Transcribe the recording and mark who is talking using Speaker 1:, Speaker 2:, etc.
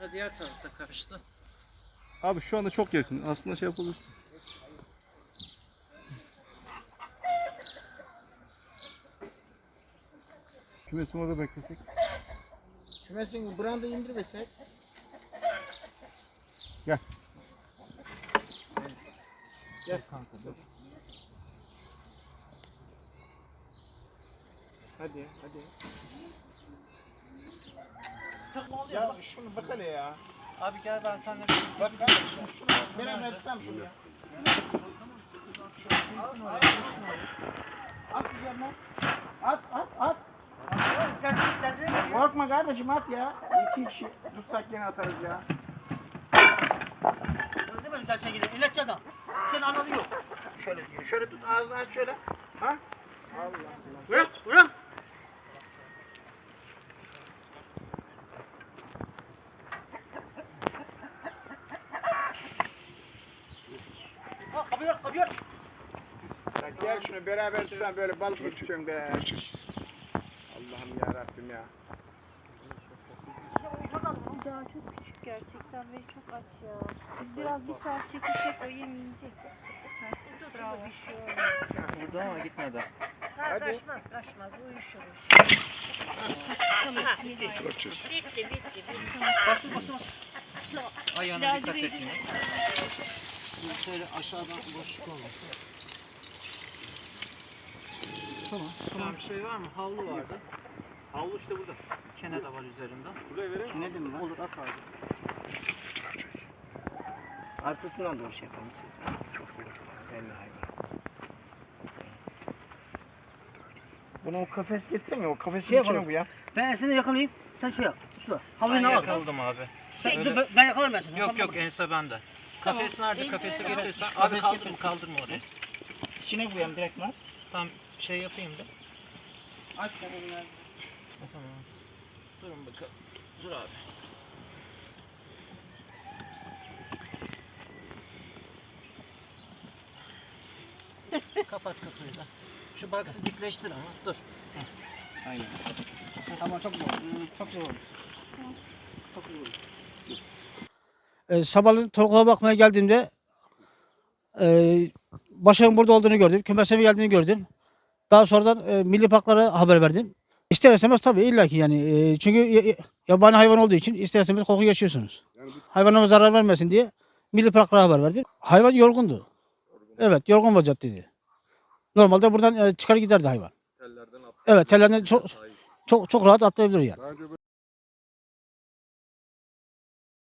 Speaker 1: Diğer tarafta karıştı.
Speaker 2: Abi şu anda çok yakın. Aslında şey yapabilirsin. Kümesin orada beklesek.
Speaker 3: Kümesin branda indirmesek.
Speaker 2: Gel.
Speaker 3: Gel kanka dur. Hadi. Ya şunu bak hele ya.
Speaker 1: Abi gel ben seninle
Speaker 3: Bak kardeşim şunu ben etmem şunu ya. At üzerine. At. Korkma kardeşim at ya. 2 kişi tutsak yine atarız ya.
Speaker 4: Ne böyle tersine gidiyor? İlaççı adam. Senin ananı yok.
Speaker 3: Şöyle diyor. Şöyle tut ağzını aç şöyle. Ha? Allah.
Speaker 4: Bırak. Ha, kapıyor.
Speaker 3: Ya gel şunu beraber tutan böyle balık mı tutuyorsun be? Allah'ım ya Rabbim ya.
Speaker 5: Daha çok küçük gerçekten ve çok aç ya. Biz biraz bir saat çekişsek o yem yiyecek. Bravo.
Speaker 1: burada ama gitmedi.
Speaker 3: Hadi.
Speaker 4: Kaçmaz. Uyuşur.
Speaker 5: Bitti.
Speaker 4: Basın.
Speaker 1: Ayağına dikkat et yine. Şöyle aşağıdan boşluk olmasın. Tamam. Bir şey var mı? Havlu vardı. Havlu işte burada. Kene de var üzerinde.
Speaker 3: Buraya vereyim mi?
Speaker 4: Ne dedim ben?
Speaker 1: Olur at abi.
Speaker 3: Arkasından doğru şey yapalım siz. Çok büyük. Belli hayvan. Bunu o kafes getirsene o kafesin
Speaker 4: Şey
Speaker 3: içine
Speaker 4: yapalım.
Speaker 3: bu ya.
Speaker 4: Ben seni yakalayayım. Sen şey yap. Usta.
Speaker 1: Ben
Speaker 4: Havlunu al.
Speaker 1: yakaladım abi.
Speaker 4: Dur, ben yakalarım ben seni.
Speaker 1: Yok ense bende. Kafes nerede? Kafesi getirirsen. Abi kaldırma orayı.
Speaker 4: İçine koyayım direkt lan.
Speaker 1: Tam şey yapayım da.
Speaker 4: Aç sen onu.
Speaker 1: Tamam. Durun bakalım. Dur abi. Kapat kapıyı da. Şu box'ı dikleştir ama dur.
Speaker 3: Aynen.
Speaker 4: Tamam çok zor. Çok zor. Çok zor.
Speaker 6: Sabahleyin tavuklara bakmaya geldiğimde Başak'ın burada olduğunu gördüm. Kümesime geldiğini gördüm. Daha sonradan milli parklara haber verdim. İster istemez tabii illaki yani. Çünkü yabani hayvan olduğu için ister istemez koku yaşıyorsunuz. Hayvanlara zarar vermesin diye milli parklara haber verdim. Hayvan yorgundu. Evet, yorgun vaziyetteydi. Normalde buradan çıkar giderdi hayvan. Evet, tellerden çok rahat atlayabilir yani.